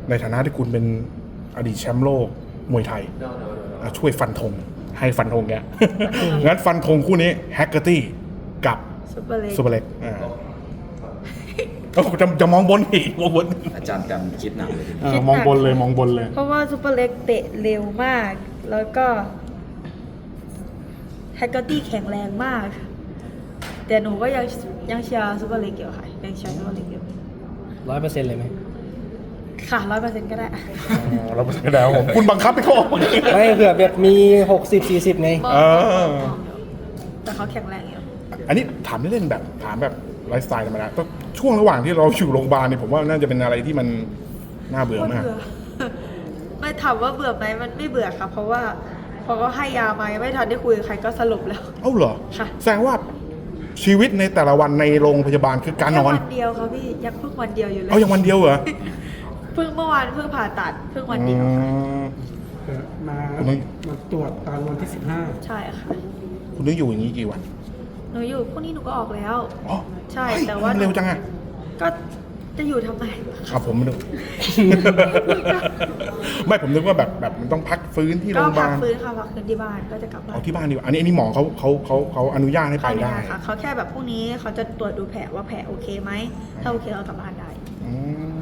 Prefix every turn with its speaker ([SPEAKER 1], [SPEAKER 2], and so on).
[SPEAKER 1] ในฐานะที่คุณเป็นอดีตแชมป์โลกมวยไทยช่วยฟันธงให้ฟันธงแก งั้นฟันธงคู่นี้แฮกเกอร์ตี้กับ
[SPEAKER 2] ซุปเปอร์เล็ก
[SPEAKER 1] ซูเปอร์เล็กจะมองบนอีกมองบน
[SPEAKER 3] อาจารย์กันคิดหนักเลย
[SPEAKER 1] มองบนเลยมองบนเลย
[SPEAKER 2] เพราะว่าซุปเปอร์เล็กเตะเร็วมาก แล้วก็แฮกเกอร์ตี้แข็งแรงมาก แต่หนูก็ยังเชียร์ซุปเปอร์เล็กอยู่ค่ะยังเชียร์ซุปเปอร์เล็กอยู่
[SPEAKER 4] 100%เลยไหม
[SPEAKER 2] ค่ะ100%ก็ได้
[SPEAKER 1] เราไม่ได้ผมคุณบังคับให้เขาออก
[SPEAKER 4] ไม่เผื่อแบบมี 60-40 ไง
[SPEAKER 2] มอง
[SPEAKER 1] เออ
[SPEAKER 2] แต่เขาแข็งแรงอยู่
[SPEAKER 1] อันนี้ถามเล่นๆแบบถามแบบไลฟ์สไตล์ธรรมดาก็ช่วงระหว่างที่เราอยู่โรงพยาบาลเนี่ยผมว่าน่าจะเป็นอะไรที่มันน่าเบื่อมาก
[SPEAKER 2] เบื่อ ไม่ถามว่าเบื่อไหมมันไม่เบื่อค่ะ เพราะว่าพอก็ให้ยามายังไม่ทันได้คุยกับใครก็สลบแล้ว
[SPEAKER 1] เอ้าเหรอ
[SPEAKER 2] ค่ะ
[SPEAKER 1] แสดงว่าชีวิตในแต่ละวันในโรงพยาบาลคือการนอน
[SPEAKER 2] แค่วันเดียวค่ะพี่ยังเพิ่งวันเดียวอยู่เลย
[SPEAKER 1] เอาอย่างวันเดียวเหรอ
[SPEAKER 2] เพิ่งเมื่อวานเพิ่งผ่าตัดเพิ่งวันเดียว
[SPEAKER 1] อืม
[SPEAKER 5] มาตรวจตอนวันที่
[SPEAKER 2] ใช่ค่ะ
[SPEAKER 1] คุณต้องอยู่อย่างนี้กี่วัน
[SPEAKER 2] หนูอยู่พรุ่งนี้หนูก็ออกแล้ว
[SPEAKER 1] อ๋อ
[SPEAKER 2] ใช่
[SPEAKER 1] ฮ้ย
[SPEAKER 2] แต่ว่า
[SPEAKER 1] เร็วจังอะ
[SPEAKER 2] ก็จะอยู่ทำไม
[SPEAKER 1] ครับผมไม่รู้ ไม่ผมนึกว่าแบบมันต้องพักฟื้นที่โร
[SPEAKER 2] ก็
[SPEAKER 1] งพยา
[SPEAKER 2] พั
[SPEAKER 1] บาก ล
[SPEAKER 2] ฟื้นค่ะพักฟื้นที่บ้านก็จะกลับบ้า
[SPEAKER 1] เอา
[SPEAKER 2] น
[SPEAKER 1] ที่บ้านดีกว่าอันนี้หมอเขาอนุญาตให้ไปได้
[SPEAKER 2] ค่ะเขาแค่แบบพรุ่งนี้เขาจะตรวจดูแผลว่าแผลโอเคไหมถ้าโอเคเรากลับบ้านได้
[SPEAKER 1] อืม